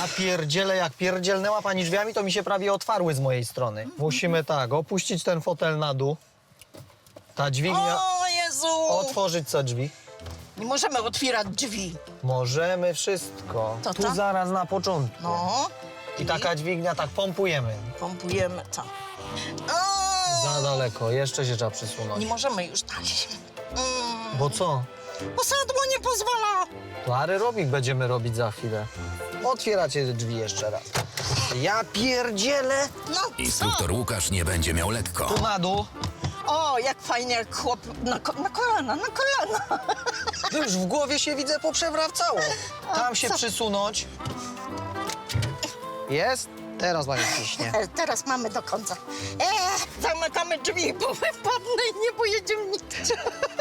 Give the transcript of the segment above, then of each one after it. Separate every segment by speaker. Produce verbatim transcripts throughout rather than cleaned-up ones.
Speaker 1: Ja pierdzielę, jak pierdzielnęła pani drzwiami, to mi się prawie otwarły z mojej strony. Musimy tak, opuścić ten fotel na dół. Ta dźwignia...
Speaker 2: O Jezu!
Speaker 1: Otworzyć co drzwi?
Speaker 2: Nie możemy otwierać drzwi.
Speaker 1: Możemy wszystko.
Speaker 2: To
Speaker 1: tu
Speaker 2: tak?
Speaker 1: zaraz na początku.
Speaker 2: No.
Speaker 1: I taka dźwignia, tak pompujemy.
Speaker 2: Pompujemy to. O!
Speaker 1: Za daleko, jeszcze się trzeba przysunąć.
Speaker 2: Nie możemy już dalej. Mm.
Speaker 1: Bo co?
Speaker 2: Bo sadło nie pozwala.
Speaker 1: To aerobik będziemy robić za chwilę. Otwieracie drzwi jeszcze raz. Ja pierdzielę!
Speaker 2: No
Speaker 3: Instruktor Łukasz nie będzie miał lekko.
Speaker 1: Tu na dół.
Speaker 2: O, jak fajnie, jak chłop na, ko na kolana, na kolana.
Speaker 1: Już w głowie się widzę poprzewracało. Tam się
Speaker 2: co?
Speaker 1: przysunąć. Jest? Teraz pani ciśnie.
Speaker 2: E, teraz mamy do końca. E, zamykamy drzwi, bo wypadnę i nie pojedziemy nigdzie.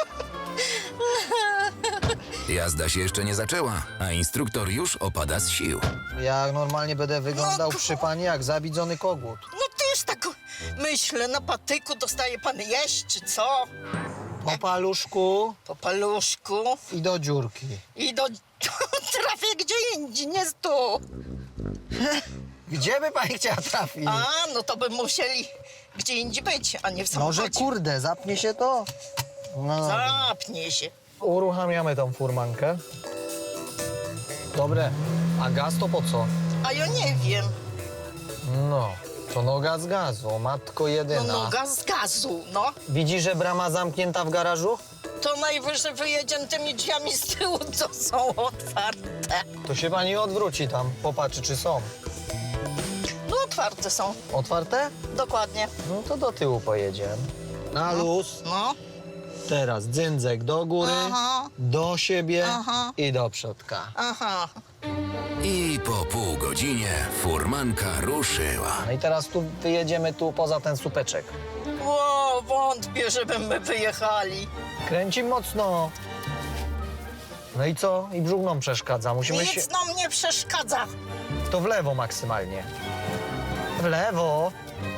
Speaker 3: Jazda się jeszcze nie zaczęła, a instruktor już opada z sił.
Speaker 1: Ja normalnie będę wyglądał
Speaker 2: No,
Speaker 1: przy pani jak zabidzony kogut.
Speaker 2: No też tak myślę, na patyku dostaje pan jeść, czy co?
Speaker 1: Po paluszku
Speaker 2: Po paluszku
Speaker 1: i do dziurki.
Speaker 2: i do... trafię gdzie indziej, nie tu.
Speaker 1: Gdzie by pani chciała trafić?
Speaker 2: A, no to by musieli gdzie indziej być, a nie w samochodzie.
Speaker 1: Może kurde, zapnie się to? No,
Speaker 2: Zapnie się.
Speaker 1: uruchamiamy tą furmankę. Dobre, a gaz to po co?
Speaker 2: A ja nie wiem.
Speaker 1: No, to noga z gazu, matko
Speaker 2: No
Speaker 1: jedyna.
Speaker 2: noga z gazu, no.
Speaker 1: Widzisz, że brama zamknięta w garażu?
Speaker 2: To najwyżej wyjedziemy tymi drzwiami z tyłu, co są otwarte.
Speaker 1: To się pani odwróci tam, popatrzy czy są.
Speaker 2: No otwarte są,
Speaker 1: Otwarte?
Speaker 2: dokładnie.
Speaker 1: No to do tyłu pojedziemy. Na luz.
Speaker 2: No.
Speaker 1: Teraz dzyndzek do góry,
Speaker 2: Aha.
Speaker 1: do siebie
Speaker 2: Aha.
Speaker 1: i do przodka.
Speaker 2: Aha.
Speaker 3: I po pół godzinie furmanka ruszyła.
Speaker 1: No i teraz tu wyjedziemy tu poza ten słupeczek.
Speaker 2: Ło, wątpię, żeby my wyjechali.
Speaker 1: Kręci mocno. No i co? I brzuch nam przeszkadza. Musimy się...
Speaker 2: Nic nam nie przeszkadza.
Speaker 1: To w lewo maksymalnie. W lewo.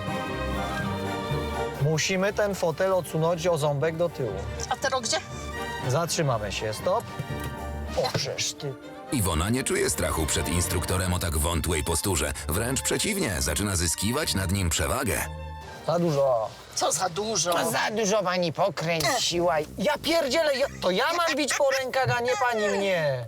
Speaker 1: Musimy ten fotel odsunąć o ząbek do tyłu.
Speaker 2: A teraz gdzie?
Speaker 1: Zatrzymamy się. Stop. O, żeż ty.
Speaker 3: Iwona nie czuje strachu przed instruktorem o tak wątłej posturze. Wręcz przeciwnie, zaczyna zyskiwać nad nim przewagę.
Speaker 1: Za dużo.
Speaker 2: Co za dużo.
Speaker 1: To za dużo pani pokręciła. Ja pierdzielę, ja, to ja mam bić po rękach, a nie pani mnie.